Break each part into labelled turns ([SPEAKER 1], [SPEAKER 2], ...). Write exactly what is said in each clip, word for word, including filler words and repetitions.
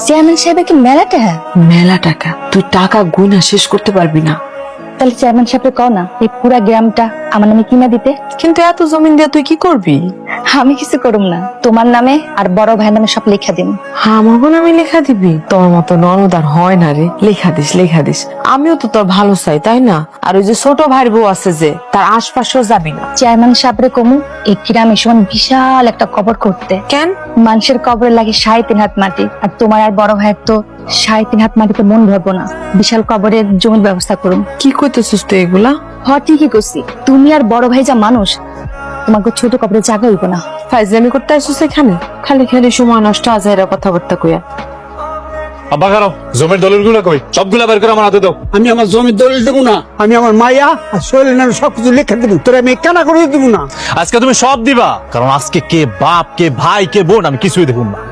[SPEAKER 1] Chairman সাহেবের কি মেলা টাকা?
[SPEAKER 2] মেলা টাকা, তুই টাকা গুনা শেষ করতে পারবি না।
[SPEAKER 1] তাহলে চেয়ারম্যান সাহেবকে কও না এই পুরা গ্রামটা আমার নামে কিনা দিতে।
[SPEAKER 2] কিন্তু এত জমিন দিয়ে তুই কি করবি?
[SPEAKER 1] আমি কিছু করুম না, তোমার নামে আর বড় ভাইয়ের নামে সব লেখা দিন।
[SPEAKER 2] আমাকে নামে লেখা দিবি? তোর মতো ননদার হয় না রে, লেখা দিস লেখা দিস। আমিও তো তোর ভালো চাই, তাই না? আর ওই যে ছোট ভাইয়ের বউ আছে যে, তার আশপাশেও যাবি না।
[SPEAKER 1] চেয়ারম্যান সাহেবরে কমু এই গ্রামে সমান বিশাল একটা কবর করতে।
[SPEAKER 2] কেন?
[SPEAKER 1] মানুষের কবরে লাগে সাড়ে তিন হাত মাটি, আর তোমার আর বড় ভাইয়ের তো সাড়ে তিন হাত মাটিতে মন ভরবো না। বিশাল কবরের জমির ব্যবস্থা করুন।
[SPEAKER 2] কি কইতেছিস তুই এগুলা?
[SPEAKER 1] হ ঠিকই করছি, তুমি আর বড় ভাই যা মানুষ, তোমাকে ছোট কবরে জায়গা হইব না।
[SPEAKER 2] ফাইজলামি করতে আসছিস এখানে? খালি খালি সময় নষ্ট, আজাইরা কথাবার্তা কইয়া।
[SPEAKER 3] আব্বা কারো জমির দলিল গুলো কই, সবগুলা বের করে আমার হাতে দাও।
[SPEAKER 4] আমি আমার জমির দলিল দেবো না, আমি আমার মাইয়া আর শৈলের নামে সবকিছু লিখে দেবো, তোরা আমি কেনা করে দেবো না।
[SPEAKER 3] আজকে তুমি সব দিবা, কারণ আজকে কে বাপ কে ভাই কে বোন আমি কিছুই দেখুন না।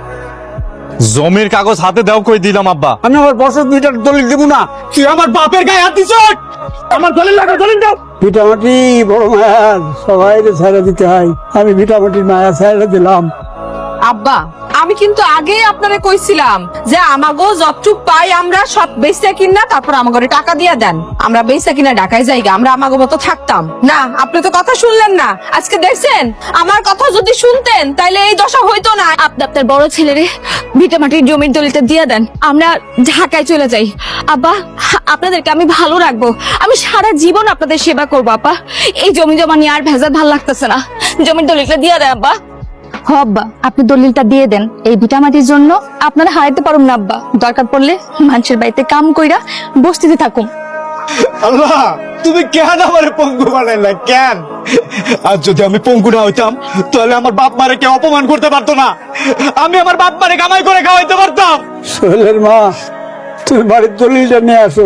[SPEAKER 3] জমির কাগজ হাতে দাও, কই দিলাম আব্বা।
[SPEAKER 4] আমি আমার বছর দুইটার দলিল দেবো না। তুই আমার বাপের গায়ে হাত দিছ, আমার দলিল লাগা দলিল দাও। ভিটামাটি বড় মায়ার সবাই ছাড়া দিতে হয়, আমি ভিটামাটির মায়া ছাড়া দিলাম।
[SPEAKER 5] আব্বা, আমি কিন্তু আগে আপনারে কইছিলাম যে আমাগো যতটুক পাই আমরা সব বেচা কিনা তারপর আমাগরে টাকা দিয়া দেন, আমরা বেচা কিনা ঢাকায় যাইগা, আমরা আমাগো মতো থাকতাম না। আপনি তো কথা শুনলেন না, আজকে দেখছেন আমার কথা যদি শুনতেন তাইলে এই দশা হইতো না।
[SPEAKER 1] আপনি আপনার বড় ছেলেরে ভিটামাটির জমির দলিলটা দিয়ে দেন, আমরা ঢাকায় চলে যাই। আব্বা, আপনাদেরকে আমি ভালো রাখবো, আমি সারা জীবন আপনাদের সেবা করবো। আব্বা, এই জমি জমা নিয়ে আর ভেজাল ভালো লাগতেছে না, জমির দলিলটা দিয়ে দেন আব্বা। হ আব্বা, আপনি দলিলটা দিয়ে দেন, এই ভিটামাটির জন্য আপনারা হারাইতে পারুন না আব্বা। দরকার পড়লে মানুষের বাড়িতে কাম কইরা বস্তিতে থাকুন।
[SPEAKER 3] আল্লাহ, তুমি কেন আমারে পঙ্গু বানাইলা কেন? আর যদি আমি পঙ্গু না হইতাম তাহলে আমার বাপ মারে কে অপমান করতে পারতো না, আমি আমার বাপ মারে কামাই করে খাওয়াইতে পারতাম।
[SPEAKER 4] শৈলের মা, তুমি বাড়ির দলিলটা নিয়ে আসো।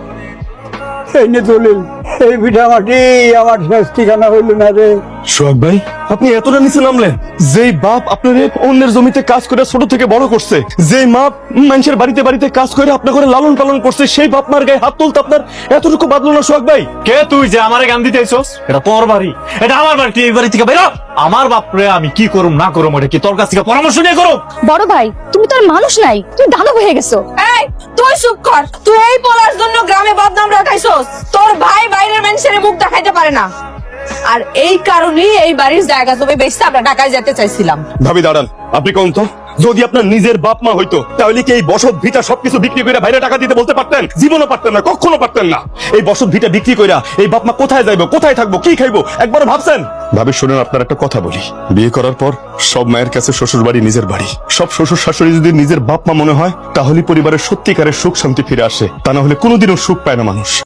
[SPEAKER 4] এই নে দলিল, এই ভিটামাটি আমার শেষ ঠিকানা হইল না রে।
[SPEAKER 3] সোহাগ ভাই, আপনি এতটা নিচে নামলেন? যেই বাপ আপনার অন্যের জমিতে কাজ করে ছোট থেকে বড় করছে, যেই মা মানুষের বাড়িতে বাড়িতে কাজ করে আপনার ঘরে লালন পালন করছে, সেই বাপ মার গায়ে হাত তুলতে আপনার এতটুকু বাদলো না সোহাগ ভাই? কে তুই যে আমারে গান দিতে আইছস? এটা তোর বাড়ি, এটা আমার বাড়ি, তুই এই বাড়ি থেকে বেরো। আমার বাপরে আমি কি করুম না করুম এটা কি তোর কাছ থেকে পরামর্শ নিয়ে করো?
[SPEAKER 1] বড় ভাই, তুমি তো আর মানুষ নাই, তুমি দানব হয়ে গেছো।
[SPEAKER 5] এই তুই চুপ কর, তুই এই বলার জন্য গ্রামে বদনাম রাখাইছস। তোর ভাই বাইরের মানুষের মুখ দেখাইতে পারে না, আর এই কারণেই এই বাড়ির জায়গা জমি বেচতে আমরা ঢাকায় যেতে চাইছিলাম।
[SPEAKER 6] ভাবি দাঁড়ান, আপনি কোন তো, যদি আপনার নিজের বাপ মা হইতো তাহলে কি এই বসত ভিটা সবকিছু বিক্রি করে বাইরে টাকা দিতে বলতে পারতেন? জীবনও পারতেন না, কখনো পারতেন না। এই বসত ভিটা বিক্রি কইরা এই বাপ মা কোথায় যাইবো, কোথায় থাকবো, কি খাইবো একবার ভাবছেন? ভাবি শুনেন, আপনার একটা কথা বলি, বিয়ে করার পর সব মায়ের কাছে শ্বশুর বাড়ি নিজের বাড়ি। সব শ্বশুর শাশুড়ি যদি নিজের বাপ মা মনে হয় তাহলে পরিবারের সত্যিকারের সুখ শান্তি ফিরে আসে, তা না হলে কোনোদিনও সুখ পায় না মানুষ।